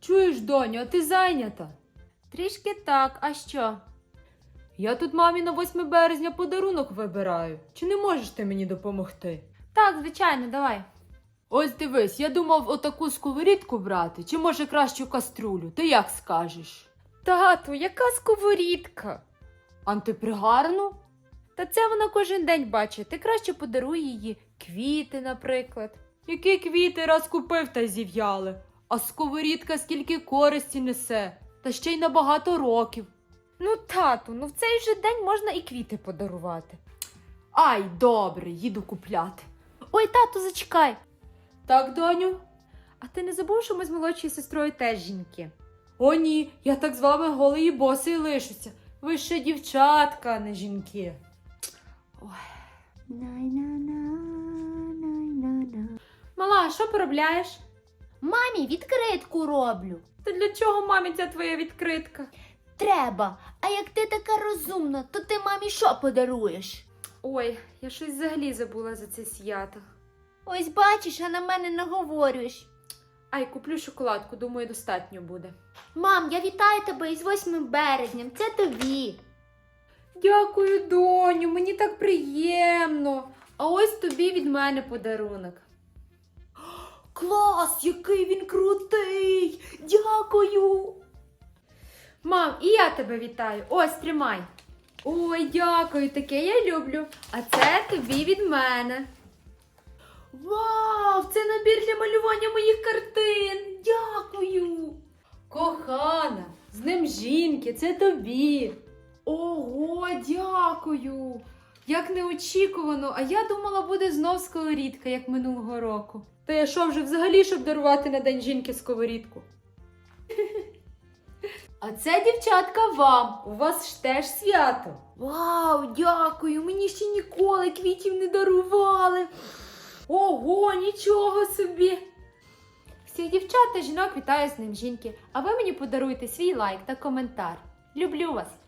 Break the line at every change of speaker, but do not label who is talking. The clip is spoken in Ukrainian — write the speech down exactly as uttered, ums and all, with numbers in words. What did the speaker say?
Чуєш, доню, а ти зайнята?
Трішки так, а що?
Я тут мамі на восьме березня подарунок вибираю. Чи не можеш ти мені допомогти?
Так, звичайно, давай.
Ось дивись, я думав отаку сковорідку брати, чи може кращу каструлю, ти як скажеш?
Тату, яка сковорідка?
Антипригарну?
Та це вона кожен день бачить. Ти краще подаруй її квіти, наприклад.
Які квіти раз купив та зів'яли, а сковорідка скільки користі несе, та ще й на багато років.
Ну, тату, ну в цей же день можна і квіти подарувати.
Ай, добре, їду купляти.
Ой, тату, зачекай.
Так, доню?
А ти не забув, що ми з молодшою сестрою теж жінки?
О ні, я так з вами голий і босий лишуся. Ви ще дівчатка, а не жінки.
Мала, що поробляєш? Мамі відкритку роблю.
Та для чого мамі ця твоя відкритка?
Треба. А як ти така розумна, то ти мамі що подаруєш?
Ой, я щось взагалі забула за це свято.
Ось бачиш, а на мене наговорюєш.
Ай, куплю шоколадку, думаю, достатньо буде.
Мам, я вітаю тебе із восьмим березням, це тобі.
Дякую, доню, мені так приємно. А ось тобі від мене подарунок.
Клас, який він крутий! Дякую!
Мам, і я тебе вітаю. Ось, тримай. Ой, дякую, таке я люблю. А це тобі від мене. Вау, це набір для малювання моїх картин. Дякую.
Кохана, з ним жінки, це тобі.
Ого, дякую. Як неочікувано, а я думала, буде знов сковорідка, як минулого року.
Та я що вже взагалі, щоб дарувати на День жінки сковорідку? А це, дівчатка, вам. У вас ж теж свято.
Вау, дякую, мені ще ніколи квітів не дарували. Ого, нічого собі. Всіх дівчат та жінок вітаю з Днем жінки, а ви мені подаруйте свій лайк та коментар. Люблю вас!